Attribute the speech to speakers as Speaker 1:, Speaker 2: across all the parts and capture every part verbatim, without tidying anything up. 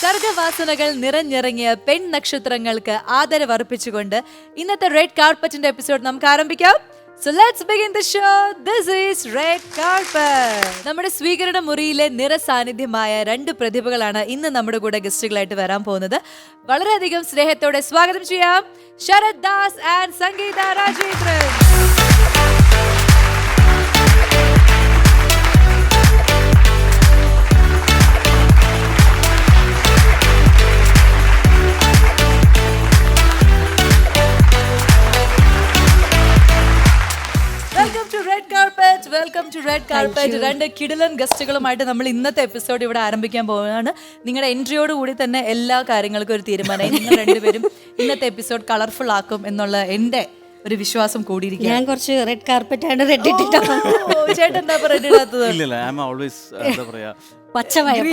Speaker 1: സർഗവാസനകൾ നിറഞ്ഞിറങ്ങിയ പെൺ നക്ഷത്രങ്ങൾക്ക് ആദരവർപ്പിച്ചുകൊണ്ട് ഇന്നത്തെ red കാർപ്പറ്റിന്റെ episode നമുക്ക് ആരംഭിക്കാം. So let's begin the show. This is Red Carpet. നമ്മുടെ സ്വീകരണ മുറിയിലെ നിറസാന്നിധ്യമായ രണ്ട് പ്രതിഭകളാണ് ഇന്ന് നമ്മുടെ കൂടെ ഗസ്റ്റുകളായിട്ട് വരാൻ പോകുന്നത്. വളരെയധികം സ്നേഹത്തോടെ സ്വാഗതം ചെയ്യാം Sarath Das and Sangeetha Rajendran. Welcome to red carpet. രണ്ട് കിടിലൻ ഗസ്റ്റുകളുമായിട്ട് നമ്മൾ ഇന്നത്തെ എപ്പിസോഡ് ഇവിടെ ആരംഭിക്കാൻ പോവുകയാണ്. നിങ്ങളുടെ എൻട്രിയോട് കൂടി തന്നെ എല്ലാ കാര്യങ്ങൾക്കും ഒരു തീരുമാനമായി. നിങ്ങൾ രണ്ടുപേരും ഇന്നത്തെ എപ്പിസോഡ് കളർഫുൾ ആക്കും എന്നുള്ള എന്റെ ഒരു വിശ്വാസം കൂടിയിരിക്കും.
Speaker 2: ഞാൻ കുറച്ച് റെഡ് കാർപ്പറ്റ് ആണ് റെഡ് ഇട്ടിട്ടാണ്.
Speaker 1: ചേട്ടൻ എന്താ റെഡ് ഇടാത്തത്?
Speaker 2: പച്ചയായ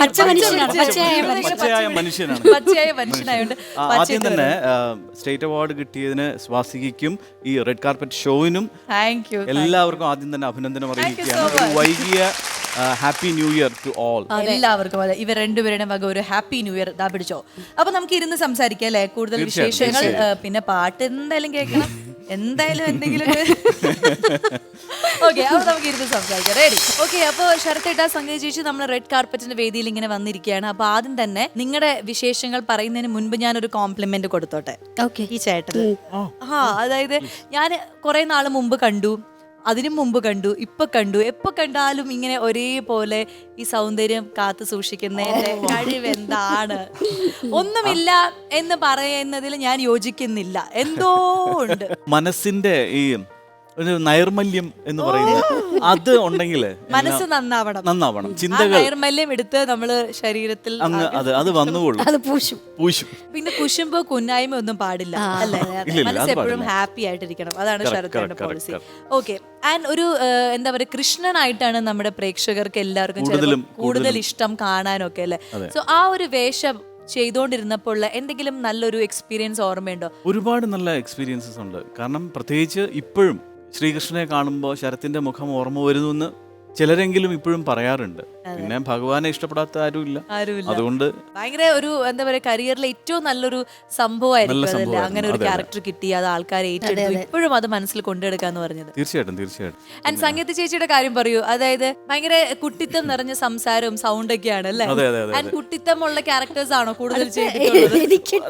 Speaker 1: മനുഷ്യനായോണ്ട്
Speaker 3: ആദ്യം തന്നെ സ്റ്റേറ്റ് അവാർഡ് കിട്ടിയതിന് സ്വാസികയ്ക്കും ഈ റെഡ് കാർപ്പറ്റ് ഷോയിനും
Speaker 1: താങ്ക് യു
Speaker 3: എല്ലാവർക്കും ആദ്യം തന്നെ അഭിനന്ദനം അറിയിക്കുകയാണ്. വൈകിയ happy new year to all.
Speaker 1: എല്ലാവർക്കും അതെ, ഇവർ രണ്ടുപേരുടെ വക ഒരു ഹാപ്പി ന്യൂ ഇയർ ദാ പിടിച്ചോ. അപ്പൊ നമുക്ക് ഇരുന്ന് സംസാരിക്കാം അല്ലെ, കൂടുതൽ വിശേഷങ്ങൾ. പിന്നെ പാട്ട് എന്തായാലും കേൾക്കണം, എന്തായാലും എന്തെങ്കിലും. ഓക്കെ, അപ്പൊ നമുക്ക് ഇരുന്ന് സംസാരിക്കാം. റെഡി? ഓക്കെ, അപ്പൊ ശരത്തേട്ടാ, സംഗീത ചേച്ചി നമ്മൾ റെഡ് കാർപ്പറ്റിന്റെ വേദിയിൽ ഇങ്ങനെ വന്നിരിക്കുകയാണ്. അപ്പൊ ആദ്യം തന്നെ നിങ്ങളുടെ വിശേഷങ്ങൾ പറയുന്നതിന് മുൻപ് ഞാനൊരു കോംപ്ലിമെന്റ് കൊടുത്തോട്ടെ ഈ ചേട്ടന്. ആ, അതായത് ഞാൻ കുറെ നാള് മുമ്പ് കണ്ടു, അതിനു മുമ്പ് കണ്ടു, ഇപ്പൊ കണ്ടു. എപ്പൊ കണ്ടാലും ഇങ്ങനെ ഒരേപോലെ ഈ സൗന്ദര്യം കാത്തു സൂക്ഷിക്കുന്നതിന്റെ കഴിവെന്താണ്? ഒന്നുമില്ല എന്ന് പറയുന്നതിൽ ഞാൻ യോജിക്കുന്നില്ല. എന്തോ ഉണ്ട്
Speaker 3: മനസ്സിന്റെ ഈ ഒരു നൈർമല്യം എന്ന് പറയുന്നത്, അത് ഉണ്ടെങ്കിൽ
Speaker 1: മനസ്സ് നന്നാവണം
Speaker 3: നന്നാവണം ചിന്തകൾ
Speaker 1: നൈർമല്യം എടുത്ത് നമ്മള് ശരീരത്തിൽ
Speaker 3: അങ്ങ് അത് അത് വന്നുകൊള്ളും.
Speaker 2: അത് പൂശും
Speaker 3: പൂശും.
Speaker 1: പിന്നെ കുശുമ്പോ കുന്നായ്മ ഒന്നും പാടില്ല അല്ലേ? മനസ്സ് എപ്പോഴും ഹാപ്പി ആയിട്ടിരിക്കണം. അതാണ് ശരത്തിന്റെ പോളിസി. ഓക്കെ, ആൻഡ് ഒരു എന്താ പറയുക, കൃഷ്ണനായിട്ടാണ് നമ്മുടെ പ്രേക്ഷകർക്ക് എല്ലാവർക്കും കൂടുതൽ ഇഷ്ടം കാണാനൊക്കെ അല്ലേ. സോ ആ ഒരു വേഷം ചെയ്തുകൊണ്ടിരുന്നപ്പോൾ എന്തെങ്കിലും നല്ലൊരു എക്സ്പീരിയൻസ് ഓർമ്മയുണ്ടോ?
Speaker 3: ഒരുപാട് നല്ല എക്സ്പീരിയൻസസ് ഉണ്ട്. കാരണം പ്രത്യേകിച്ച് ഇപ്പോഴും ശ്രീകൃഷ്ണനെ കാണുമ്പോൾ ശരത്തിന്റെ മുഖം ഓർമ്മ വരുന്നു എന്ന് ചിലരെങ്കിലും ഇപ്പോഴും പറയാറുണ്ട്. പിന്നെ ഭഗവാനെ ഇഷ്ടപ്പെടാത്ത ആരുമില്ല. അതുകൊണ്ട്
Speaker 1: ഭയങ്കര ഒരു എന്താ പറയാ, കരിയറിലെ ഏറ്റവും നല്ലൊരു സംഭവമായിരിക്കും അതല്ലേ, അങ്ങനെ ഒരു ക്യാരക്ടർ കിട്ടി, അത് ആൾക്കാരെ ഏറ്റെടുത്തു, ഇപ്പോഴും അത് മനസ്സിൽ കൊണ്ടെടുക്കാന്ന് പറഞ്ഞത്.
Speaker 3: തീർച്ചയായിട്ടും തീർച്ചയായിട്ടും
Speaker 1: ആൻഡ് സംഗീത ചേച്ചിയുടെ കാര്യം പറയൂ. അതായത് ഭയങ്കര കുട്ടിത്തം നിറഞ്ഞ സംസാരവും സൗണ്ട് ഒക്കെയാണ് അല്ലേ? ആൻഡ് കുട്ടിത്തമുള്ള ക്യാരക്ടേഴ്സ് ആണോ കൂടുതൽ ചെയ്തിട്ടുള്ളത്?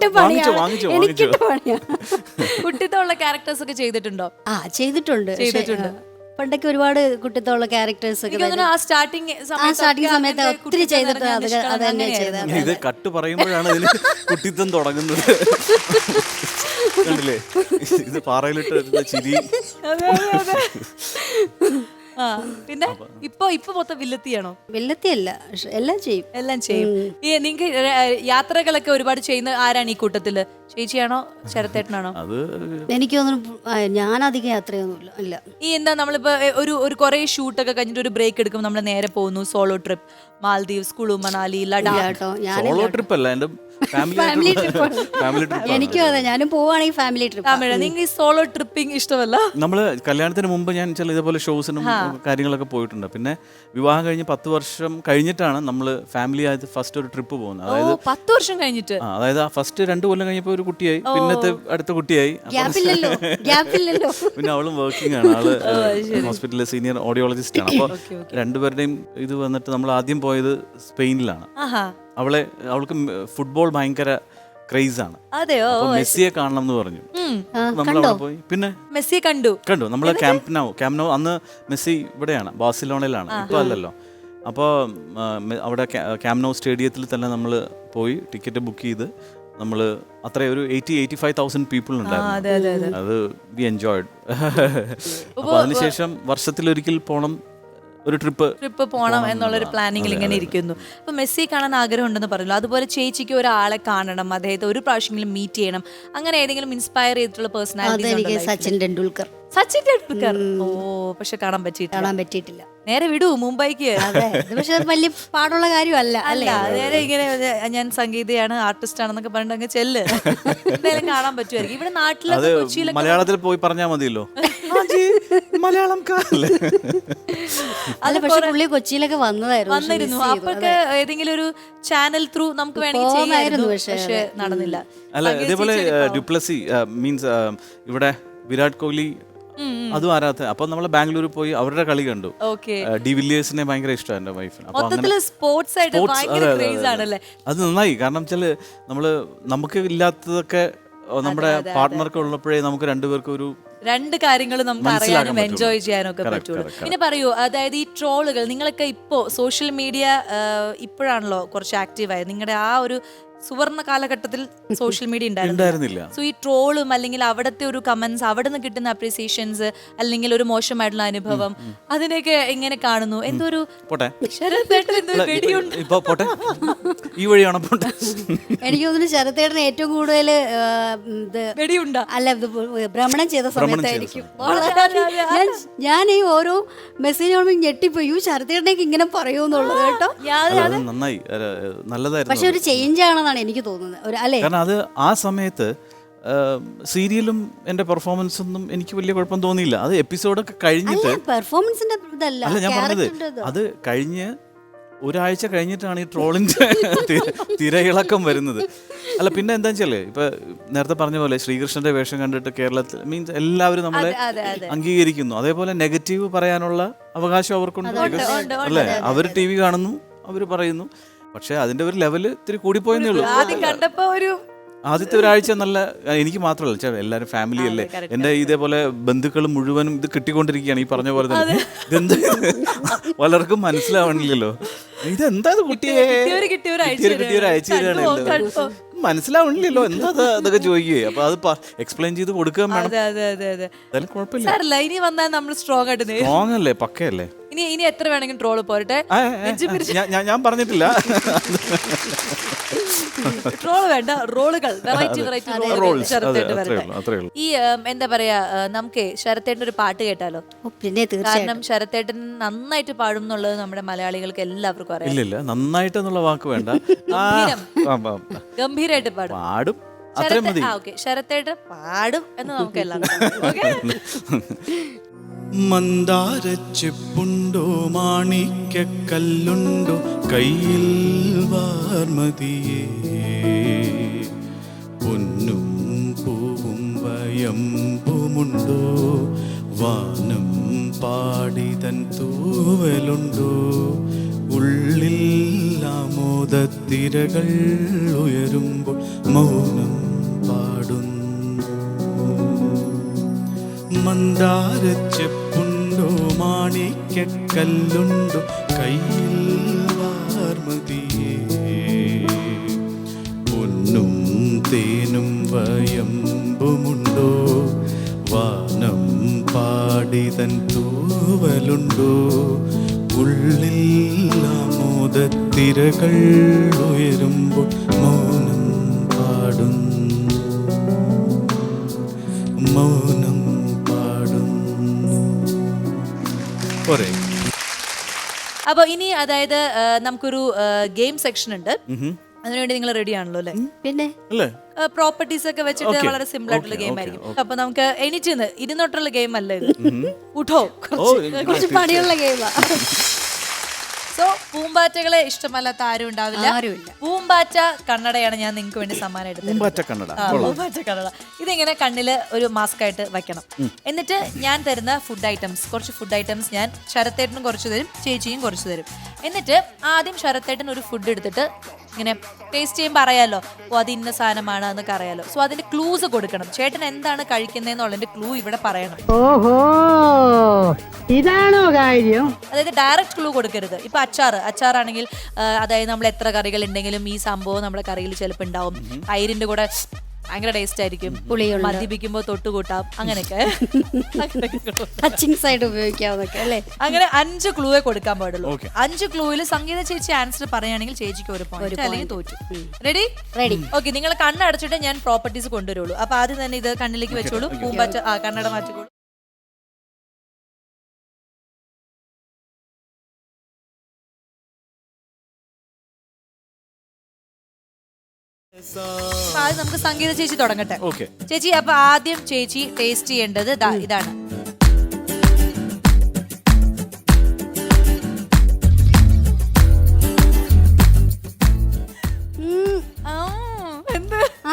Speaker 1: കുട്ടിത്തമുള്ള ക്യാരക്ടേഴ്സ് ഒക്കെ ചെയ്തിട്ടുണ്ടോ?
Speaker 2: ആ, ചെയ്തിട്ടുണ്ട് ചെയ്തിട്ടുണ്ട് പണ്ടൊക്കെ ഒരുപാട് കുട്ടിത്തോളം ക്യാരക്ടേഴ്സ് ഒക്കെ
Speaker 1: ആ സ്റ്റാർട്ടിങ്
Speaker 2: സ്റ്റാർട്ടിങ് സമയത്ത് ഒത്തിരി ചെയ്തിട്ട് അത് തന്നെ ചെയ്തത്.
Speaker 3: ഇത് കട്ട് പറയുമ്പോഴാണ് ഇതിന് കുട്ടിത്തം തുടങ്ങുന്നത്. കണ്ടില്ലേ, ഇത് പാറയിലിട്ട് ചിരി.
Speaker 1: ആ, പിന്നെ ഇപ്പൊ ഇപ്പൊ മൊത്തം വില്ലത്തിയാണോ?
Speaker 2: വില്ലത്തിയല്ല, എല്ലാം ചെയ്യും
Speaker 1: എല്ലാം ചെയ്യും. ഈ നിങ്ങൾക്ക് യാത്രകളൊക്കെ ഒരുപാട് ചെയ്യുന്ന ആരാണ് ഈ കൂട്ടത്തില്? ചേച്ചിയാണോ ശരത്തേട്ടനാണോ?
Speaker 3: അത്
Speaker 2: എനിക്ക് തോന്നുന്നു ഞാൻ അധികം യാത്രയൊന്നുമില്ല. ഇല്ല,
Speaker 1: ഈ എന്താ നമ്മളിപ്പോ ഒരു ഒരു കുറെ ഷൂട്ടൊക്കെ കഴിഞ്ഞിട്ട് ഒരു ബ്രേക്ക് എടുക്കും, നമ്മൾ നേരെ പോകുന്നു solo trip, Maldives, Kullu Manali, Ladakh.
Speaker 3: Solo trip അല്ല, എന്റെ
Speaker 2: ഫാമിലി ട്രിപ്പ്. എനിക്കും അതെ, ഞാനും പോവാണെങ്കിൽ ഫാമിലി ട്രിപ്പ്.
Speaker 1: നിങ്ങൾക്ക് ഈ സോളോ ട്രിപ്പിംഗ് ഇഷ്ടമല്ല?
Speaker 3: നമ്മള് കല്യാണത്തിന് മുമ്പ് ഞാൻ ചില ഇതേപോലെ ഷോസിനും കാര്യങ്ങളൊക്കെ പോയിട്ടുണ്ട്. പിന്നെ വിവാഹം കഴിഞ്ഞ് പത്ത് വർഷം കഴിഞ്ഞിട്ടാണ് നമ്മള് ഫാമിലി ആയിട്ട് ഫസ്റ്റ് ഒരു ട്രിപ്പ് പോകുന്നത്. അതായത്
Speaker 1: പത്ത് വർഷം കഴിഞ്ഞിട്ട്,
Speaker 3: അതായത് ആ ഫസ്റ്റ് രണ്ടു കൊല്ലം കഴിഞ്ഞപ്പോ ഒരു കുട്ടിയായി, പിന്നത്തെ അടുത്ത കുട്ടിയായി. പിന്നെ അവളും വർക്കിംഗ് ആണ്, ആള് ഹോസ്പിറ്റലിലെ സീനിയർ ഓഡിയോളജിസ്റ്റ് ആണ്. അപ്പൊ രണ്ടുപേരുടെയും ഇത് വന്നിട്ട് നമ്മൾ ആദ്യം പോയത് സ്പെയിനിലാണ്. അവളെ അവൾക്ക് ഫുട്ബോൾ ഭയങ്കര ക്രേസ് ആണ്.
Speaker 1: അതെയോ?
Speaker 3: മെസ്സിയെ കാണണം എന്ന് പറഞ്ഞു. നമ്മളവിടെ പോയി. പിന്നെ
Speaker 1: മെസ്സിയെ കണ്ടു
Speaker 3: കണ്ടു നമ്മള് ക്യാമ്പ് നൗ ക്യാമ്പ് നൗ അന്ന് മെസ്സി ഇവിടെയാണ്, ബാഴ്സലോണയിലാണ്, ഇപ്പൊ അല്ലല്ലോ. അപ്പോൾ അവിടെ ക്യാമ്പ് നൗ സ്റ്റേഡിയത്തിൽ തന്നെ നമ്മൾ പോയി ടിക്കറ്റ് ബുക്ക് ചെയ്ത് നമ്മൾ അത്ര ഒരു eighty eighty five thousand people ഉണ്ടായിരുന്നു. അത് വി എൻജോയ്ഡ്. അപ്പൊ അതിനുശേഷം വർഷത്തിലൊരിക്കൽ പോണം, ഒരു ട്രിപ്പ്
Speaker 1: ട്രിപ്പ് പോകണം എന്നുള്ളൊരു പ്ലാനിങ്ങിൽ ഇങ്ങനെ ഇരിക്കുന്നു. അപ്പൊ മെസ്സി കാണാൻ ആഗ്രഹം ഉണ്ടെന്ന് പറഞ്ഞു. അതുപോലെ ചേച്ചിക്ക് ഒരാളെ കാണണം, അദ്ദേഹത്തെ ഒരു പ്രാവശ്യമെങ്കിലും മീറ്റ് ചെയ്യണം, അങ്ങനെ ഏതെങ്കിലും ഇൻസ്പയർ ചെയ്തിട്ടുള്ള പേഴ്സണാലിറ്റി?
Speaker 2: സച്ചിൻ ടെണ്ടുൽക്കർ.
Speaker 1: സച്ചിൻ ടെണ്ടുൽക്കർ. ഓ, പക്ഷെ കാണാൻ പറ്റിയിട്ടില്ല.
Speaker 2: കാണാൻ പറ്റിയിട്ടില്ല.
Speaker 1: നേരെ വിടൂ മുംബൈക്ക്.
Speaker 2: പക്ഷെ വലിയ പാടുള്ള കാര്യമല്ല അല്ലേ?
Speaker 1: നേരെ ഇങ്ങനെ ഞാൻ സംഗീതയാണ്, ആർട്ടിസ്റ്റ് ആണെന്നൊക്കെ പറഞ്ഞിട്ട് അങ്ങ് ചെല്ല്, എന്തായാലും കാണാൻ പറ്റുമായിരിക്കും. ഇവിടെ നാട്ടിലൊക്കെ കൊച്ചിയിലൊക്കെ
Speaker 3: മലയാളത്തിൽ പോയി പറഞ്ഞാൽ മതിയല്ലോ. മലയാളം കാല്ലേ.
Speaker 2: അല്ല പക്ഷെ പുള്ളി കൊച്ചിയിലൊക്കെ വന്നതായിരുന്നു.
Speaker 1: വന്നിരുന്നു. അപ്പൊക്കെ ഏതെങ്കിലും ഒരു ചാനൽ ത്രൂ നമുക്ക് വേണമെങ്കിൽ ചെയ്യാമായിരുന്നു. പക്ഷെ നടന്നില്ല.
Speaker 3: അല്ല ഇതേപോലെ ഡ്യുപ്ലസി മീൻസ് ഇവിടെ വിരാട് കോഹ്ലി അതും ആരാധന. അപ്പൊ നമ്മള് ബാംഗ്ലൂർ പോയി അവരുടെ കളി കണ്ടു. ഡി വില്ലിയേഴ്സിനെ ഭയങ്കര ഇഷ്ടമാണ് എന്റെ വൈഫിന്.
Speaker 1: സ്പോർട്സ് ആയിട്ട് ഭയങ്കര ക്രേസ് ആണല്ലേ.
Speaker 3: അത് നന്നായി. കാരണം വെച്ചാല് നമ്മള് നമുക്ക് ഇല്ലാത്തതൊക്കെ നമ്മുടെ പാർട്ട്ണർക്ക് ഉള്ളപ്പോഴേ നമുക്ക് രണ്ടുപേർക്കും ഒരു
Speaker 1: രണ്ട് കാര്യങ്ങൾ നമുക്ക് അറിയാനും എൻജോയ് ചെയ്യാനും ഒക്കെ പറ്റുള്ളൂ. പിന്നെ പറയൂ, അതായത് ഈ ട്രോളുകൾ നിങ്ങളൊക്കെ ഇപ്പോ സോഷ്യൽ മീഡിയ ഇപ്പോഴാണല്ലോ കുറച്ച് ആക്റ്റീവായത്. നിങ്ങളുടെ ആ ഒരു സുവർണ കാലഘട്ടത്തിൽ സോഷ്യൽ മീഡിയ ഉണ്ടായിരുന്നില്ല. സോ ഈ ട്രോളും അല്ലെങ്കിൽ അവിടുത്തെ ഒരു കമന്റ്സ്, അവിടെ നിന്ന് കിട്ടുന്ന അപ്രീസിയേഷൻസ്, അല്ലെങ്കിൽ ഒരു മോശമായിട്ടുള്ള അനുഭവം, അതിനെയൊക്കെ എങ്ങനെ കാണുന്നു? എന്തോ ഒരു
Speaker 3: ഈ വഴിയാണോ പോട്ടെ?
Speaker 2: എനിക്ക് തോന്നുന്നു ശരത്തേട്ടന് ഏറ്റവും കൂടുതൽ
Speaker 1: വെടിയുണ്ട
Speaker 2: അല്ല ഭ്രമണം ചെയ്ത സമയത്തായിരിക്കും ഞാൻ ഈ ഓരോ മെസ്സേജ് ഞെട്ടിപ്പോയി, ശരത്തേട്ടനേക്ക് ഇങ്ങനെ പറയുമെന്നുള്ളത് കേട്ടോ.
Speaker 3: നന്നായി, നല്ലതായിരുന്നു.
Speaker 2: പക്ഷെ ഒരു ചേഞ്ച് ആണ് എനിക്ക് തോന്നുന്നത് അല്ലേ.
Speaker 3: കാരണം അത് ആ സമയത്ത് സീരിയലും എന്റെ പെർഫോമൻസ് ഒന്നും എനിക്ക് വലിയ കുഴപ്പം തോന്നിയില്ല. അത് എപ്പിസോഡൊക്കെ കഴിഞ്ഞിട്ട്
Speaker 2: പെർഫോമൻസിന്റെ
Speaker 3: അല്ല ഞാൻ പറഞ്ഞത്, അത് കഴിഞ്ഞ് ഒരാഴ്ച കഴിഞ്ഞിട്ടാണ് ഈ ട്രോളിന്റെ തിരയിളക്കം വരുന്നത്. അല്ല പിന്നെ എന്താ വെച്ചാല് ഇപ്പൊ നേരത്തെ പറഞ്ഞ പോലെ ശ്രീകൃഷ്ണന്റെ വേഷം കണ്ടിട്ട് കേരളത്തിൽ മീൻസ് എല്ലാവരും നമ്മളെ അംഗീകരിക്കുന്നു. അതേപോലെ നെഗറ്റീവ് പറയാനുള്ള അവകാശം അവർക്കുണ്ട് അല്ലേ. അവർ ടി വി കാണുന്നു, അവർ പറയുന്നു. പക്ഷെ അതിന്റെ ഒരു ലെവല് ഇത്തിരി കൂടിപ്പോയെന്നേ ഉള്ളൂ. ആദ്യത്തെ ഒരാഴ്ച നല്ല, എനിക്ക് മാത്രമല്ല എല്ലാവരും ഫാമിലി അല്ലേ, എന്റെ ഇതേപോലെ ബന്ധുക്കൾ മുഴുവനും ഇത് കിട്ടിക്കൊണ്ടിരിക്കുകയാണ് ഈ പറഞ്ഞ പോലെ തന്നെ. ഇതെന്താ പലർക്കും മനസ്സിലാവണില്ലല്ലോ, ഇതെന്താ കുട്ടിയെ കിട്ടിയവർ അയച്ചു തരാണല്ലോ, മനസ്സിലാവണില്ലല്ലോ എന്താ അതൊക്കെ ചോദിക്കുകയെ. അപ്പൊ അത് എക്സ്പ്ലെയിൻ ചെയ്ത് കൊടുക്കാൻ വേണം. കുഴപ്പമില്ല,
Speaker 1: ഇനി വന്നാൽ നമ്മൾ സ്ട്രോങ് ആയിട്ട്
Speaker 3: സ്ട്രോങ് അല്ലേ, പക്കയല്ലേ.
Speaker 1: ഇനി ഇനി എത്ര വേണമെങ്കിലും ട്രോള് പോരട്ടെ.
Speaker 3: ഞാൻ പറഞ്ഞിട്ടില്ല
Speaker 1: ട്രോള് വേണ്ട, റോളുകൾ വെറൈറ്റി വെറൈറ്റി ഈ എന്താ പറയാ, നമുക്ക് ശരത്തേട്ടൻ ഒരു പാട്ട് കേട്ടാലോ?
Speaker 2: പിന്നെ
Speaker 1: കാരണം ശരത്തേട്ടൻ നന്നായിട്ട് പാടും എന്നുള്ളത് നമ്മുടെ മലയാളികൾക്ക് എല്ലാവർക്കും അറിയാം.
Speaker 3: ഇല്ല നന്നായിട്ട് എന്നുള്ള വാക്ക് വേണ്ട,
Speaker 1: ഗംഭീരമായിട്ട് പാടും
Speaker 3: പാടും.
Speaker 1: ശരത്തേട്ടൻ പാടും എന്ന് നമുക്ക് എല്ലാവർക്കും.
Speaker 4: മന്ദാരച്ചെപ്പുണ്ടോ മാണിക്കല്ലുണ്ടോ കയ്യിൽ വാർമതിയേ, പൊന്നും പൂവും വയമ്പുമുണ്ടോ വാനം പാടിതൻ തൂവലുണ്ടോ, ഉള്ളിൽ ആമോദത്തിരകൾ ഉയരുമ്പോൾ മൗനം പാടുന്നു. മന്ദാരച്ചെപ്പുണ്ടോ മാണിക്കല്ലുണ്ടോ കയ്യിൽ വാർമതിയേ, പൊന്നും തേനും വയമ്പുമുണ്ടോ വാനം പാടിതൻ തൂവലുണ്ടോ, ഉള്ളിൽ ആമോദത്തിരകൾ ഉയരുമ്പോൾ മൗനം പാടുന്നു, മൗനം.
Speaker 1: അപ്പൊ ഇനി അതായത് നമുക്കൊരു ഗെയിം സെക്ഷൻ ഉണ്ട്, അതിനുവേണ്ടി നിങ്ങൾ റെഡി ആണല്ലോ അല്ലേ?
Speaker 2: പിന്നെ
Speaker 1: പ്രോപ്പർട്ടീസ് ഒക്കെ വെച്ചിട്ട് വളരെ സിമ്പിൾ ആയിട്ടുള്ള ഗെയിം ആയിരിക്കും. അപ്പൊ നമുക്ക് എണീറ്റ് ഇരുന്നോട്ടുള്ള ഗെയിം അല്ല ഇത്, ഉഠോ,
Speaker 2: കുറച്ച് പണിയുള്ള ഗെയിമാ.
Speaker 1: സോ പൂമ്പാറ്റകളെ ഇഷ്ടമല്ലാത്ത ആരും ഉണ്ടാവില്ല. പൂമ്പാറ്റ കണ്ണടയാണ് ഞാൻ നിങ്ങൾക്ക് വേണ്ടി സമ്മാനം എടുത്തത്. പൂമ്പാറ്റ കണ്ണട ഇതിങ്ങനെ കണ്ണില് ഒരു മാസ്ക് ആയിട്ട് വെക്കണം. എന്നിട്ട് ഞാൻ തരുന്ന ഫുഡ് ഐറ്റംസ്, കുറച്ച് ഫുഡ് ഐറ്റംസ് ഞാൻ ശരത്തേട്ടനും കുറച്ച് തരും, ചേച്ചിയും കുറച്ച് തരും. എന്നിട്ട് ആദ്യം ശരത്തേട്ടൻ ഒരു ഫുഡ് എടുത്തിട്ട് ഇങ്ങനെ ടേസ്റ്റ് ചെയ്യുമ്പോൾ അറിയാലോ, ഓ അത് ഇന്ന സാധനമാണ് എന്നൊക്കെ അറിയാലോ. സോ അതിന്റെ ക്ലൂസ് കൊടുക്കണം. ചേട്ടൻ എന്താണ് കഴിക്കുന്നതെന്നുള്ളതിന്റെ ക്ലൂ ഇവിടെ പറയണം.
Speaker 5: ഓഹോ, ഇതാണോ കാര്യം?
Speaker 1: അതായത് ഡയറക്റ്റ് ക്ലൂ കൊടുക്കരുത്. ഇപ്പൊ അച്ചാറ് അച്ചാറാണെങ്കിൽ അതായത് നമ്മൾ എത്ര കറികൾ ഉണ്ടെങ്കിലും ഈ സംഭവം നമ്മുടെ കറിയിൽ ചിലപ്പോൾ ഉണ്ടാവും. തൈരിന്റെ കൂടെ ഭയങ്കര ടേസ്റ്റ് ആയിരിക്കും, മദ്യപിക്കുമ്പോ തൊട്ടുകൂട്ടാം, അങ്ങനെയൊക്കെ
Speaker 2: ഉപയോഗിക്കാവുന്നൊക്കെ.
Speaker 1: അങ്ങനെ അഞ്ച് ക്ലൂവേ കൊടുക്കാൻ പാടുള്ളൂ. അഞ്ച് ക്ലൂവിൽ സംഗീത ചേച്ചി ആൻസർ പറയുകയാണെങ്കിൽ ചേച്ചിക്ക് ഒരു പോയിന്റ്, അല്ലെങ്കിൽ തോറ്റു. റെഡി?
Speaker 2: റെഡി.
Speaker 1: ഓക്കെ, നിങ്ങൾ കണ്ണടച്ചിട്ട് ഞാൻ പ്രോപ്പർട്ടീസ് കൊണ്ടുവരുള്ളൂ. അപ്പൊ ആദ്യം തന്നെ ഇത് കണ്ണിലേക്ക് വെച്ചോളൂ. പൂമ്പാറ്റ ആ കണ്ണട മാറ്റിക്കോളൂ. ആദ്യം നമുക്ക് സംഗീത ചേച്ചി തുടങ്ങട്ടെ. ചേച്ചി, അപ്പൊ ആദ്യം ചേച്ചി ടേസ്റ്റ് ചെയ്യേണ്ടത് ഇതാണ്.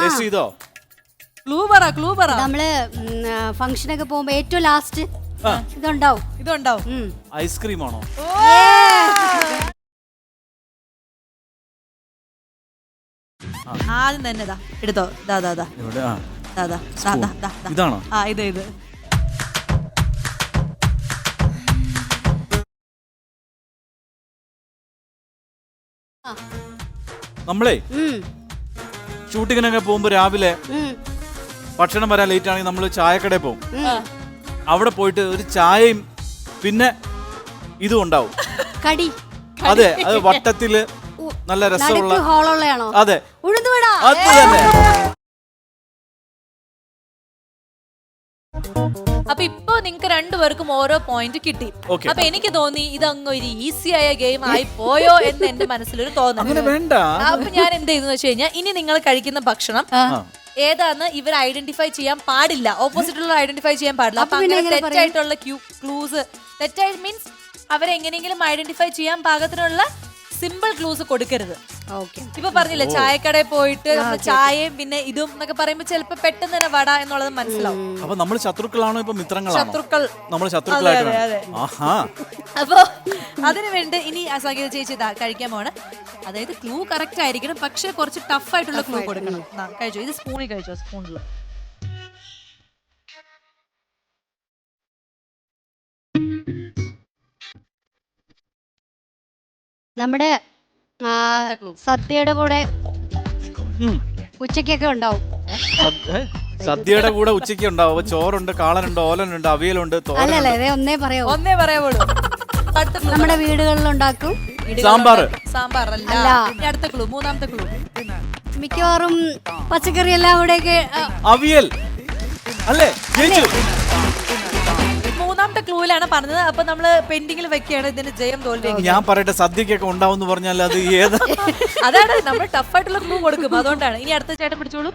Speaker 3: ടേസ്റ്റ് ചെയ്തോ?
Speaker 1: ക്ലൂ പറ ക്ലൂ പറ.
Speaker 2: നമ്മള് ഫംഗ്ഷനൊക്കെ പോകുമ്പോ ഏറ്റവും ലാസ്റ്റ് ഇതുണ്ടാവും.
Speaker 1: ഇതുണ്ടാവും.
Speaker 2: ഉം.
Speaker 3: ഐസ്ക്രീം ആണോ?
Speaker 1: ആദ്യം തന്നെ ഇതാ എടുത്തോ. ദാ ദാ ദാ
Speaker 3: ഇവിടെ ആ
Speaker 1: ദാ ദാ ദാ ദാ ദാ ദാ.
Speaker 3: ഇതാണോ?
Speaker 1: ആ ഇത് ഇത്
Speaker 3: നമ്മളേ
Speaker 2: ഉം.
Speaker 3: ഷൂട്ടിങ്ങിനൊക്കെ പോകുമ്പോ രാവിലെ
Speaker 2: ഉം.
Speaker 3: ഭക്ഷണം വരാൻ ലേറ്റ് ആണെങ്കിൽ നമ്മൾ ചായക്കടയിൽ പോകും.
Speaker 2: ഉം.
Speaker 3: അവിടെ പോയിട്ട് ഒരു ചായയും പിന്നെ ഇതും ഉണ്ടാവും.
Speaker 2: കടി
Speaker 3: അതെ, അത് വട്ടത്തില് നല്ല രസമുള്ള.
Speaker 2: നടുക്ക് ഹോളുള്ളയാണോ?
Speaker 3: അതെ,
Speaker 2: ഉഴുന്നുവട.
Speaker 3: അത് തന്നെ.
Speaker 1: അപ്പൊ ഇപ്പൊ നിങ്ങക്ക് രണ്ടുപേർക്കും ഓരോ പോയിന്റ് കിട്ടി.
Speaker 3: Okay.
Speaker 1: അപ്പൊ എനിക്ക് തോന്നി ഇതങ്ങ് ഒരു ഈസി ആയ ഗെയിം ആയി പോയോ എന്ന് എന്റെ മനസ്സിലൊരു തോന്നൽ.
Speaker 3: അങ്ങനെ വേണ്ട.
Speaker 1: അപ്പൊ ഞാൻ എന്ത് ചെയ്തെന്ന് വെച്ച് കഴിഞ്ഞാൽ ഇനി നിങ്ങൾ കഴിക്കുന്ന ഭക്ഷണം ഏതാന്ന് ഇവർ ഐഡന്റിഫൈ ചെയ്യാൻ പാടില്ല. ഓപ്പോസിറ്റുള്ള ഐഡന്റിഫൈ ചെയ്യാൻ പാടില്ല. അപ്പൊ അങ്ങനെ തെറ്റായിട്ടുള്ള ക്ലൂസ്, തെറ്റായി മീൻസ് അവരെങ്ങനെയെങ്കിലും ഐഡന്റിഫൈ ചെയ്യാൻ പാകത്തിനുള്ള സിമ്പിൾ ക്ലൂസ് കൊടുക്കരുത്. ഇപ്പൊ പറഞ്ഞില്ലേ ചായക്കടയിൽ പോയിട്ട് നമ്മള് ചായയും പിന്നെ ഇതും എന്നൊക്കെ പറയുമ്പോ ചിലപ്പോ പെട്ടെന്ന് തന്നെ വട എന്നുള്ളത് മനസ്സിലാവും.
Speaker 3: അപ്പൊ നമ്മൾ ശത്രുക്കളാണോ ഇപ്പൊ മിത്രങ്ങളാണോ?
Speaker 1: ശത്രുക്കൾ.
Speaker 3: നമ്മൾ ശത്രുക്കളായിട്ട്. ആഹാ.
Speaker 1: അപ്പൊ അതിനു വേണ്ടി ഇനി സംഗീത ചേച്ചി ഇതാ കഴിക്കാൻ പോണ്. അതായത് ക്ലൂ കറക്റ്റ് ആയിരിക്കണം, പക്ഷെ കുറച്ച് ടഫ് ആയിട്ടുള്ള ക്ലൂ കൊടുക്കണം. കഴിച്ചോ, ഇത് സ്പൂണിൽ കഴിച്ചോ, സ്പൂണിൽ.
Speaker 2: നമ്മുടെ ആ, സദ്യയുടെ കൂടെ
Speaker 3: ഉം.
Speaker 2: ഉച്ചക്കൊക്കെ ഉണ്ടാവും.
Speaker 3: സദ്യ- ഏ? സദ്യയുടെ കൂടെ ഉച്ചയ്ക്ക് ഉണ്ടാവും. അപ്പൊ ചോറുണ്ട്, കാളനുണ്ട്, ഓലനുണ്ട്, അവിയലുണ്ട്,
Speaker 2: അല്ലല്ല
Speaker 3: തോരനുണ്ട്.
Speaker 2: ഇതേ ഒന്നേ പറയാവൂ.
Speaker 1: ഒന്നേ പറയാവുള്ളൂ. അടുത്ത clue
Speaker 2: നമ്മുടെ വീടുകളിൽ ഉണ്ടാക്കും.
Speaker 3: സാമ്പാർ.
Speaker 1: സാമ്പാർ അല്ല.
Speaker 2: അല്ല.
Speaker 1: ഇനി അടുത്ത ക്ലൂ, മൂന്നാമത്തെ ക്ലൂ.
Speaker 2: മിക്കവാറും പച്ചക്കറി എല്ലാം കൂടെയൊക്കെ ആ,
Speaker 3: അവിയൽ അല്ലേ? ജയിച്ചു.
Speaker 1: മൂന്നാമത്തെ ക്ലൂവിലാണ് പറഞ്ഞത്. അപ്പൊ നമ്മള് പെൻഡിങ്ങിൽ വെക്കുകയാണ് ഇതിന്റെ ജയം തോൽവി.
Speaker 3: ഞാൻ പറയട്ടെ, സദ്യക്കൊക്കെ ഉണ്ടാവും എന്ന് പറഞ്ഞാൽ അത് ഏത്?
Speaker 1: അതാണ് നമ്മൾ ടഫ് ആയിട്ടുള്ള ക്ലൂ കൊടുക്കും, അതുകൊണ്ടാണ്. ഇനി അടുത്ത ചേട്ടൻ പിടിച്ചോളൂ.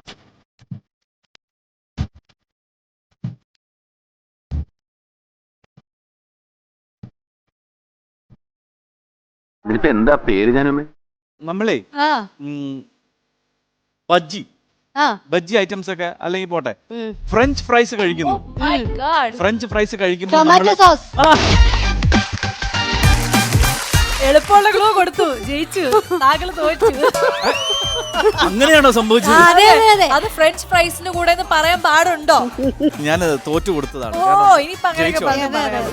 Speaker 5: ഇതിനിപ്പോ എന്താ പേര് ഞാനമ്മേ?
Speaker 3: നമ്മളേ
Speaker 2: ആ
Speaker 3: ഉം, ബജ്ജി
Speaker 2: ആ
Speaker 3: ബജ്ജി ഐറ്റംസ് ഒക്കെ അല്ലെങ്കിൽ പോട്ടെ,
Speaker 2: ഉം.
Speaker 3: ഫ്രഞ്ച് ഫ്രൈസ് കഴിക്കുന്നു.
Speaker 1: My God.
Speaker 3: ഫ്രഞ്ച് ഫ്രൈസ് കഴിക്കുമ്പോൾ
Speaker 2: ടൊമാറ്റോ
Speaker 3: നമ്മള്
Speaker 2: സോസ്.
Speaker 3: ആ,
Speaker 1: എളുപ്പമുള്ള ക്ലൂ കൊടുത്തു, ജയിച്ചു. താങ്കള് തോറ്റു.
Speaker 3: അങ്ങനെയാണോ സംഭവിച്ചത്?
Speaker 2: അതെ അതെ അതെ.
Speaker 1: അത് ഫ്രഞ്ച് ഫ്രൈസിന്റെ കൂടെ എന്ന് പറയാൻ പാടുണ്ടോ?
Speaker 3: ഞാൻ തോറ്റു കൊടുത്തതാണ്.
Speaker 1: ഓ
Speaker 3: കാരണം
Speaker 1: ഇനിയിപ്പൊ അങ്ങനെയൊക്കെ
Speaker 3: ജയിച്ചു.
Speaker 1: പറയാൻ പറയാം.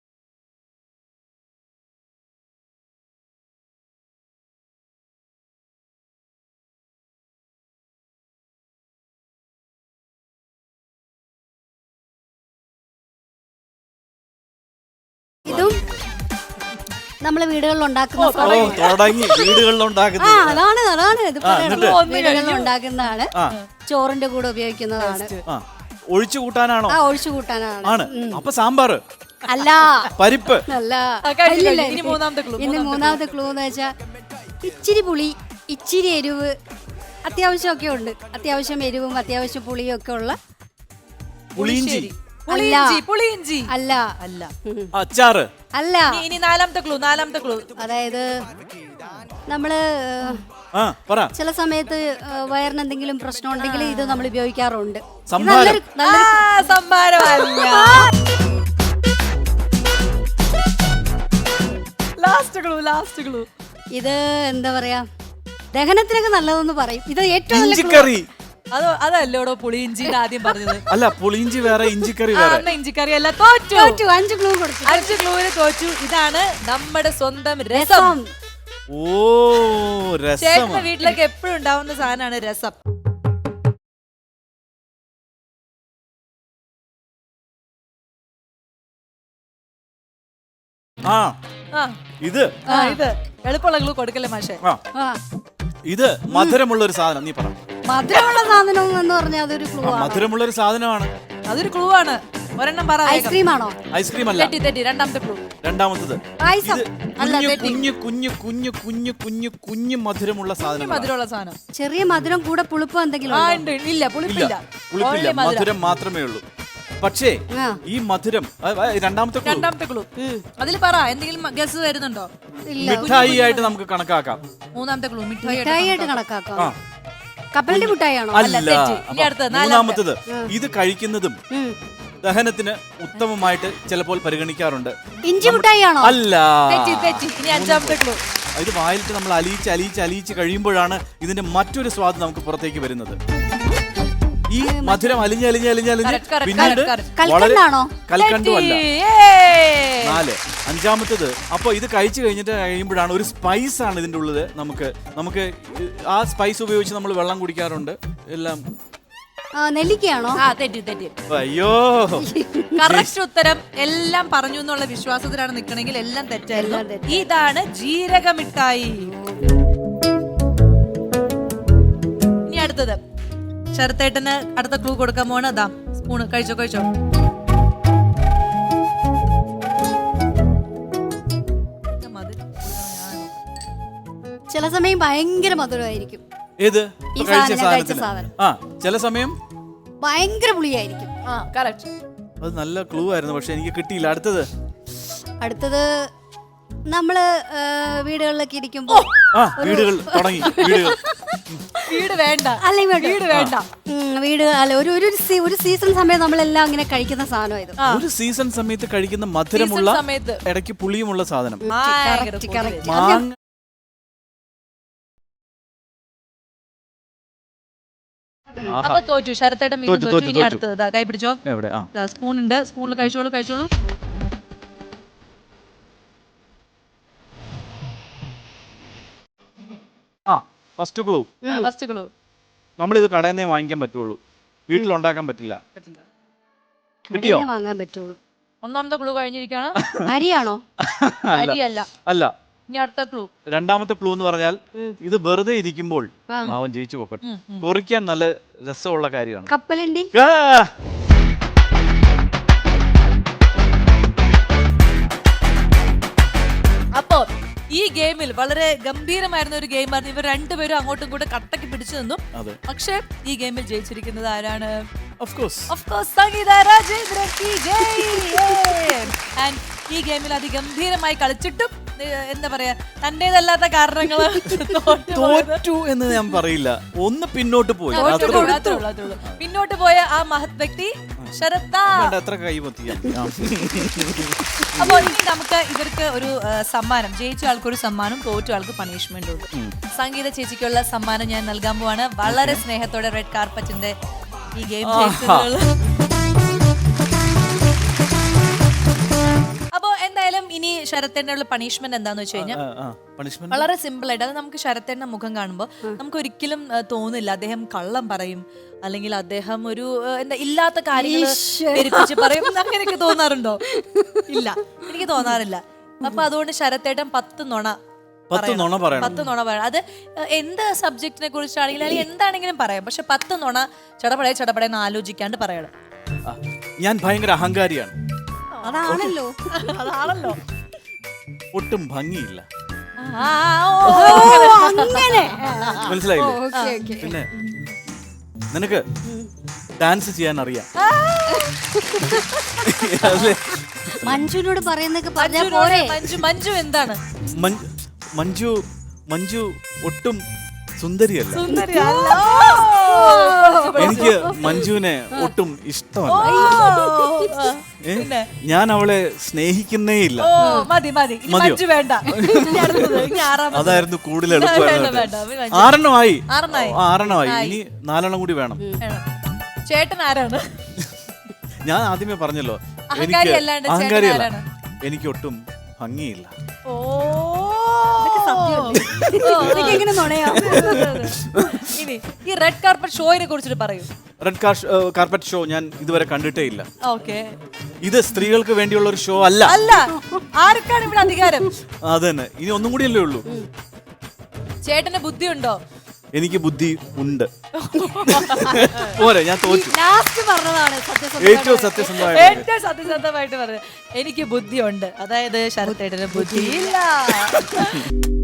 Speaker 2: ഇതും നമ്മളെ വീടുകളിൽ ഉണ്ടാക്കുന്ന
Speaker 3: ഓ, തുടങ്ങി വീടുകളിൽ
Speaker 2: ആ
Speaker 3: ഉണ്ടാക്കുന്നത്.
Speaker 2: അതാണ് അതാണ് ഇത്
Speaker 3: ആ, എന്നിട്ട്?
Speaker 2: വീടുകളിൽ ഉണ്ടാക്കുന്നതാണ്.
Speaker 3: ആ.
Speaker 2: ചോറിന്റെ കൂടെ ഉപയോഗിക്കുന്നതാണ്.
Speaker 3: ആ, ഒഴിച്ചു കൂട്ടാനാണോ?
Speaker 2: ആ ഒഴിച്ചു കൂട്ടാനാണ്.
Speaker 3: ആണ്. അപ്പൊ സാമ്പാർ,
Speaker 2: അല്ല
Speaker 3: പരിപ്പ്.
Speaker 2: അല്ല
Speaker 1: ആ, കഴിഞ്ഞു,
Speaker 2: ഇല്ലില്ല,
Speaker 1: കഴിഞ്ഞു. ഇനി മൂന്നാമത്തെ clue,
Speaker 2: ഇനി മൂന്നാമത്തെ ക്ലൂ എന്ന് വെച്ചാ ഇച്ചിരി പുളി, ഇച്ചിരി എരിവ്, അത്യാവശ്യമൊക്കെ ഉണ്ട്. അത്യാവശ്യം എരിവും അത്യാവശ്യം പുളിയും ഒക്കെ ഉള്ള.
Speaker 3: പുളിയിഞ്ചി,
Speaker 1: പുളിയിഞ്ചി, പുളിയിഞ്ചി.
Speaker 2: അല്ല
Speaker 1: അല്ല.
Speaker 3: അച്ചാറ്.
Speaker 2: അല്ല
Speaker 1: ഇനി- ഇനി നാലാമത്തെ ക്ലൂ, നാലാമത്തെ ക്ലൂ.
Speaker 2: അതായത് നമ്മള്
Speaker 3: ആ, പറ.
Speaker 2: ചില സമയത്ത് ഏഹ്, വയറിന് എന്തെങ്കിലും പ്രശ്നം ഉണ്ടെങ്കിൽ ഇത് നമ്മൾ ഉപയോഗിക്കാറുണ്ട്. ഇത്
Speaker 3: സംഭാരം.
Speaker 2: നല്ലൊരു നല്ലൊരു
Speaker 1: ആ, സംഭാരമല്ല. Last clue, last clue.
Speaker 2: ഇത് എന്താ പറയാ, ദഹനത്തിനൊക്കെ നല്ലതെന്ന് പറയും. ഇത് ഏറ്റവും നല്ല clue.
Speaker 3: ഇഞ്ചിക്കറി.
Speaker 1: അത് അതല്ലോടോ പുളിയിഞ്ചി ആദ്യം പറഞ്ഞത്.
Speaker 3: അല്ല, പുളിയിഞ്ചി വേറെ, ഇഞ്ചിക്കറി
Speaker 1: ആ,
Speaker 3: വേറെ.
Speaker 1: അന്ന് ഇഞ്ചിക്കറി അല്ല, തോറ്റു.
Speaker 2: തോറ്റു, അഞ്ച് ക്ലൂ കൊടുത്തു.
Speaker 1: അഞ്ച് ക്ലൂവിന് തോറ്റു. ഇതാണ് നമ്മുടെ സ്വന്തം രസം.
Speaker 2: രസം.
Speaker 3: ഓ, രസം.
Speaker 1: ചേട്ടന്റെ വീട്ടിലൊക്കെ എപ്പോഴും ഉണ്ടാവുന്ന സാധനമാണ് രസം.
Speaker 3: ആ,
Speaker 1: ആ
Speaker 3: ഇത്
Speaker 1: ആ, ഇത് എളുപ്പമുള്ള ക്ലൂ കൊടുക്കല്ലേ മാഷെ.
Speaker 3: ആ,
Speaker 2: ആ
Speaker 3: ഇത് മധുരമുള്ള ഒരു സാധനം. നീ പറ.
Speaker 2: മധുരമുള്ള സാധനം എന്ന് പറഞ്ഞാൽ അതൊരു ക്ലൂ ആണ്.
Speaker 3: മധുരമുള്ള ഒരു സാധനമാണ്.
Speaker 1: അതൊരു ക്ലൂ ആണ്. ഒരെണ്ണം പറ. വേഗം.
Speaker 2: ഐസ്ക്രീം ആണോ?
Speaker 3: ഐസ്ക്രീം അല്ല.
Speaker 1: തെറ്റി തെറ്റി. രണ്ടാമത്തെ ക്ലൂ.
Speaker 3: രണ്ടാമത്തത്
Speaker 2: പായസം.
Speaker 3: ഇത്
Speaker 1: അല്ല,
Speaker 3: കുഞ്ഞു
Speaker 1: തെറ്റി.
Speaker 3: കുഞ്ഞു കുഞ്ഞു കുഞ്ഞു കുഞ്ഞു കുഞ്ഞു കുഞ്ഞു മധുരമുള്ള സാധനം.
Speaker 1: മധുരമുള്ള സാധനം.
Speaker 2: ചെറിയ മധുരം കൂടെ പുളിപ്പ് എന്തെങ്കിലും
Speaker 1: ആ
Speaker 2: ഉണ്ടോ?
Speaker 1: ഉണ്ട്. ഇല്ല പുളിപ്പില്ല.
Speaker 3: ഇല്ല, പുളിപ്പില്ല,
Speaker 1: Only മധുരം.
Speaker 3: മധുരം മാത്രമേ ഉള്ളൂ. പക്ഷേ
Speaker 2: ആ.
Speaker 3: ഈ മധുരം ആ, ആ, രണ്ടാമത്തെ clue.
Speaker 1: രണ്ടാമത്തെ ക്ലൂ. അതിൽ പറ, എന്തെങ്കിലും ഗസ് വരുന്നുണ്ടോ?
Speaker 2: ഇല്ല.
Speaker 3: മിഠായി ആയിട്ട് നമുക്ക് കണക്കാക്കാം.
Speaker 1: മൂന്നാമത്തെ ക്ലൂ മിഠായി.
Speaker 2: മിഠായി ആയിട്ട് കണക്കാക്കാം.
Speaker 3: ആ,
Speaker 2: കപ്പലണ്ടി മുട്ടായാണോ?
Speaker 3: അല്ല.
Speaker 1: തെറ്റി. ഇനി
Speaker 3: അപ്പൊ
Speaker 1: അടുത്തത്,
Speaker 3: മൂന്നാമത്തത് ഇത് കഴിക്കുന്നതും ദഹനത്തിന് ഉത്തമമായിട്ട് ചിലപ്പോൾ പരിഗണിക്കാറുണ്ട്.
Speaker 2: ഇഞ്ചി മുട്ടായാണോ?
Speaker 3: അല്ല.
Speaker 1: തെറ്റി തെറ്റി. ഇനി അഞ്ചാമത്തെ ക്ലൂ.
Speaker 3: ഇത് വായിലിട്ട് നമ്മൾ അലിയിച്ച് അലിയിച്ച് അലിയിച്ച് കഴിയുമ്പോഴാണ് ഇതിന്റെ മറ്റൊരു സ്വാദ് നമുക്ക് പുറത്തേക്ക് വരുന്നത്. ഈ മധുരം അലിഞ്ഞ് അലിഞ്ഞ് അലിഞ്ഞ് അലിഞ്ഞ്
Speaker 1: Correct, correct,
Speaker 3: പിന്നീട്
Speaker 1: correct,
Speaker 3: വളരെ
Speaker 2: കൽക്കണ്ടാണോ?
Speaker 3: കൽക്കണ്ടുമല്ല.
Speaker 1: ഏയ്.
Speaker 3: നാല്. അഞ്ചാമത്തത് അപ്പൊ ഇത് കഴിച്ചു കഴിഞ്ഞിട്ട് കഴിയുമ്പോഴാണ് ഒരു സ്പൈസ് ആണ് ഇതിന്റെ ഉള്ളത്. നമുക്ക് നമുക്ക് ആ സ്പൈസ് ഉപയോഗിച്ച് നമ്മൾ വെള്ളം കുടിക്കാറുണ്ട് എല്ലാം.
Speaker 2: ആ, നെല്ലിക്കയാണോ?
Speaker 1: ആ തെറ്റി തെറ്റി.
Speaker 3: അയ്യോ,
Speaker 1: കറക്റ്റ് ഉത്തരം എല്ലാം പറഞ്ഞു എന്നുള്ള വിശ്വാസത്തിലാണ് നിൽക്കണമെങ്കിൽ എല്ലാം തെറ്റായിരുന്നു. ഇതാണ് ജീരകമിഠായി. ഇനി അടുത്തത് ശരത്തേട്ടന് അടുത്ത ക്ലൂ കൊടുക്കാൻ പോവാണ്. അതാ സ്പൂണ്. കഴിച്ചോ കഴിച്ചോ.
Speaker 2: ചില സമയം ഭയങ്കര മധുരമായിരിക്കും.
Speaker 3: ഏത്
Speaker 2: ഈ
Speaker 3: ഇപ്പൊ കഴിച്ച
Speaker 2: സാധനം, കഴിച്ച
Speaker 3: സാധനത്തിന്
Speaker 2: സാധനം.
Speaker 3: ആ ചില സമയം
Speaker 2: ഭയങ്കര പുളിയായിരിക്കും.
Speaker 1: ആ കറക്റ്റ്.
Speaker 3: അത് നല്ല ക്ലൂ ആയിരുന്നു, പക്ഷെ എനിക്ക് കിട്ടിയില്ല. അടുത്തത്
Speaker 2: അടുത്തത് നമ്മള് ആ, വീടുകളിലൊക്കെ ഇരിക്കുമ്പോ
Speaker 3: ആ വീടുകൾ തുടങ്ങി. വീടുകൾ
Speaker 1: വീട് വേണ്ട.
Speaker 2: അല്ലെ
Speaker 1: വീട് വേണ്ട.
Speaker 2: വീട് അല്ല ഒരു ഒരു സീ- ഒരു സീസൺ സമയം നമ്മളെല്ലാം അങ്ങനെ കഴിക്കുന്ന സാധനം ഇത്.
Speaker 3: ഒരു സീസൺ സമയത്ത് കഴിക്കുന്ന മധുരമുള്ള
Speaker 1: സീസൺ സമയത്ത്.
Speaker 3: ഇടയ്ക്ക് പുളിയുമുള്ള സാധനം.
Speaker 1: ഭയങ്കര
Speaker 2: Correct,
Speaker 1: കൂടുതല്.
Speaker 2: correct.
Speaker 3: മാങ്ങ. ആഹാ.
Speaker 1: അപ്പൊ തോറ്റു ശരത്തേട്ടൻ വീണ്ടും
Speaker 3: തോറ്റു,
Speaker 1: തോറ്റു.
Speaker 3: തോറ്റു,
Speaker 1: ഇനി
Speaker 3: തോറ്റു.
Speaker 1: അടുത്തത് ദാ കൈ പിടിച്ചോ.
Speaker 3: എവിടെ? ആ
Speaker 1: സ്പൂൺ ഉണ്ട്. സ്പൂണിൽ കഴിച്ചോളൂ കഴിച്ചോളൂ.
Speaker 3: ആ ഫസ്റ്റ് ക്ലൂ.
Speaker 1: First clue.
Speaker 3: നമ്മളിത് കടയിൽ നിന്നേ വാങ്ങിക്കാൻ പറ്റുള്ളൂ, വീട്ടിലുണ്ടാക്കാൻ പറ്റില്ല. കിട്ടിയോ?
Speaker 2: ഇങ്ങനെ വാങ്ങാൻ പറ്റുള്ളൂ.
Speaker 1: ഒന്നാമത്തെ ക്ലൂ കഴിഞ്ഞിരിക്കുകയാണ്.
Speaker 2: അരിയാണോ?
Speaker 3: അല്ല
Speaker 1: അരിയല്ല.
Speaker 3: അല്ല.
Speaker 1: ഇനി അടുത്ത ക്ലൂ.
Speaker 3: രണ്ടാമത്തെ ക്ലൂ എന്ന് പറഞ്ഞാൽ ഇത് വെറുതെ ഇരിക്കുമ്പോൾ അവൻ ജയിച്ചു പോക്കട്ടെ. കുറിക്കാൻ നല്ല രസമുള്ള കാര്യമാണ്.
Speaker 2: കപ്പലണ്ടി.
Speaker 3: ആ!
Speaker 1: അപ്പോ ഈ ഗെയിമിൽ വളരെ ഗംഭീരമായിരുന്ന ഒരു ഗെയിമായിരുന്നു. ഇവർ രണ്ടുപേരും അങ്ങോട്ടും ഇങ്ങോട്ടും കട്ടക്ക് പിടിച്ചു നിന്നു.
Speaker 3: അതെ.
Speaker 1: പക്ഷെ ഈ ഗെയിമിൽ ജയിച്ചിരിക്കുന്നത് ആരാണ്?
Speaker 3: Of course.
Speaker 1: Of course, Sangeetha Rajendran Ki Jai. And ഈ ഗെയിമിൽ അതിഗംഭീരമായി കളിച്ചിട്ടും ഏഹ്, എന്താ പറയാ തന്റേതല്ലാത്ത കാരണങ്ങൾ
Speaker 3: തോറ്റു എന്ന് ഞാൻ പറയില്ല, ഒന്ന് പിന്നോട്ട് പോയി. അത്രേ ഉള്ളൂ.
Speaker 1: പിന്നോട്ട് പോയ ആ മഹത് വ്യക്തി ശരത്താ.
Speaker 3: വേണ്ട, എത്ര കൈ പൊത്തിയാ. ആ.
Speaker 1: അപ്പൊ ഇനി നമുക്ക് ഇവർക്ക് ഒരു ആ, സമ്മാനം, ജയിച്ച ആൾക്ക് ഒരു സമ്മാനം, തോറ്റ ആൾക്ക് പണിഷ്മെന്റ് ഉണ്ട്. സംഗീത ചേച്ചിക്കുള്ള സമ്മാനം ഞാൻ നൽകാൻ പോവാണ്. വളരെ സ്നേഹത്തോടെ റെഡ് കാർപ്പറ്റിന്റെ ഈ ഗെയിം. അപ്പൊ എന്തായാലും ഇനി ശരത്തേനുള്ള പണിഷ്മെന്റ് എന്താന്ന് വെച്ച് കഴിഞ്ഞാൽ
Speaker 3: ആ, ആ. Punishment?
Speaker 1: വളരെ സിമ്പിൾ ആയിട്ട്, അത് നമുക്ക് ശരത്തേന്റെ മുഖം കാണുമ്പോൾ നമുക്ക് ഒരിക്കലും ആ, തോന്നില്ല അദ്ദേഹം കള്ളം പറയും അല്ലെങ്കിൽ അദ്ദേഹം ഒരു ആ, എന്താ ഇല്ലാത്ത കാര്യങ്ങൾ പെരുപ്പിച്ച് പറയും. അങ്ങനെയൊക്കെ തോന്നാറുണ്ടോ? ഇല്ല, എനിക്ക് തോന്നാറില്ല. അപ്പൊ അതുകൊണ്ട് ശരത്തേട്ടൻ പത്ത് നുണ
Speaker 3: പത്ത് നുണ പറയണം.
Speaker 1: പത്ത് നുണ പറയണം. അത് എന്ത് സബ്ജക്റ്റിനെ കുറിച്ചാണെങ്കിലും അല്ലെങ്കിൽ എന്താണെങ്കിലും പറയാം. പക്ഷെ പത്ത് നുണ ചടപടയെ ചടപടയെന്ന് ആലോചിക്കാണ്ട് പറയണം.
Speaker 3: ആ, ഞാൻ ഭയങ്കര അഹങ്കാരിയാണ്.
Speaker 2: അതാണല്ലോ.
Speaker 1: അതാണല്ലോ.
Speaker 3: ഒട്ടും ഭംഗിയില്ല.
Speaker 1: ആ, ഓ,
Speaker 2: അങ്ങനെ.
Speaker 3: മനസ്സിലായില്ലേ?
Speaker 2: Okay, okay.
Speaker 3: പിന്നെ നിനക്ക് ഡാൻസ് ചെയ്യാൻ അറിയാം. അല്ലേ?
Speaker 2: മഞ്ജുനോട് പറയുന്നൊക്കെ പറഞ്ഞാ
Speaker 1: മഞ്ജുവിനോട്
Speaker 2: പോരെ.
Speaker 1: മഞ്ജു മഞ്ജു എന്താണ്?
Speaker 3: മഞ്ജു മഞ്ജു മഞ്ജു ഒട്ടും സുന്ദരിയല്ല.
Speaker 1: സുന്ദരി അല്ല.
Speaker 3: എനിക്ക് മഞ്ജുവിനെ ഒട്ടും ഇഷ്ടമല്ല.
Speaker 1: ഓ,
Speaker 3: ഏ?
Speaker 1: പിന്നെ?
Speaker 3: ഞാൻ അവളെ സ്നേഹിക്കുന്നേ ഇല്ല.
Speaker 1: ഓ, മതി മതി. ഇനി
Speaker 3: മതിയോ?
Speaker 1: മഞ്ജു വേണ്ട. ഇനി അടുത്തത്. ഇനി ആറാമത്.
Speaker 3: അതായിരുന്നു കൂടുതൽ
Speaker 1: വേണ്ട,
Speaker 3: എളുപ്പമായിരുന്നു.
Speaker 1: വേണ്ട. മഞ്ജു.
Speaker 3: ആറെണ്ണമായി.
Speaker 1: ആറെണ്ണമായി.
Speaker 3: ഓ, ആറെണ്ണമായി. ഇനി നാലെണ്ണം കൂടി വേണം.
Speaker 1: വേണം. ചേട്ടൻ ആരാണ്?
Speaker 3: ഞാൻ ആദ്യമേ പറഞ്ഞല്ലോ,
Speaker 1: അഹങ്കാരി അല്ലാണ്ട് ചേട്ടൻ
Speaker 3: അഹങ്കാരിയല്ല,
Speaker 1: ആരാണ്?
Speaker 3: എനിക്ക് ഒട്ടും ഭംഗിയില്ല.
Speaker 1: ഓ,
Speaker 2: ഇതൊക്കെ എങ്ങനെ നുണയാ?
Speaker 1: ഇനി ഈ റെഡ് കാർപ്പറ്റ് ഷോയിനെ കുറിച്ചിട്ട് പറയൂ.
Speaker 3: റെഡ് കാർപ്പറ്റ് ഷോ ഞാൻ ഇതുവരെ കണ്ടിട്ടേ ഇല്ല.
Speaker 1: ഓക്കെ.
Speaker 3: ഇത് സ്ത്രീകൾക്ക് വേണ്ടിയുള്ള ഒരു ഷോ അല്ല.
Speaker 1: അല്ല, ആർക്കാണ് ഇവിടെ അധികാരം?
Speaker 3: അത് തന്നെ. ഇനി ഒന്നും കൂടി അല്ലേ ഉള്ളൂ.
Speaker 1: ചേട്ടന് ബുദ്ധിയുണ്ടോ?
Speaker 3: എനിക്ക് ബുദ്ധി ഉണ്ട്. പോരെ, ഞാൻ തോറ്റു.
Speaker 2: ലാസ്റ്റ് പറഞ്ഞതാണ് സത്യസന്ധ.
Speaker 3: ഏറ്റവും സത്യസന്ധമായ
Speaker 1: ഏറ്റവും സത്യസന്ധമായിട്ട് പറഞ്ഞത് എനിക്ക് ബുദ്ധിയുണ്ട്. അതായത് ശരത്തേട്ടന് ബുദ്ധിയില്ല.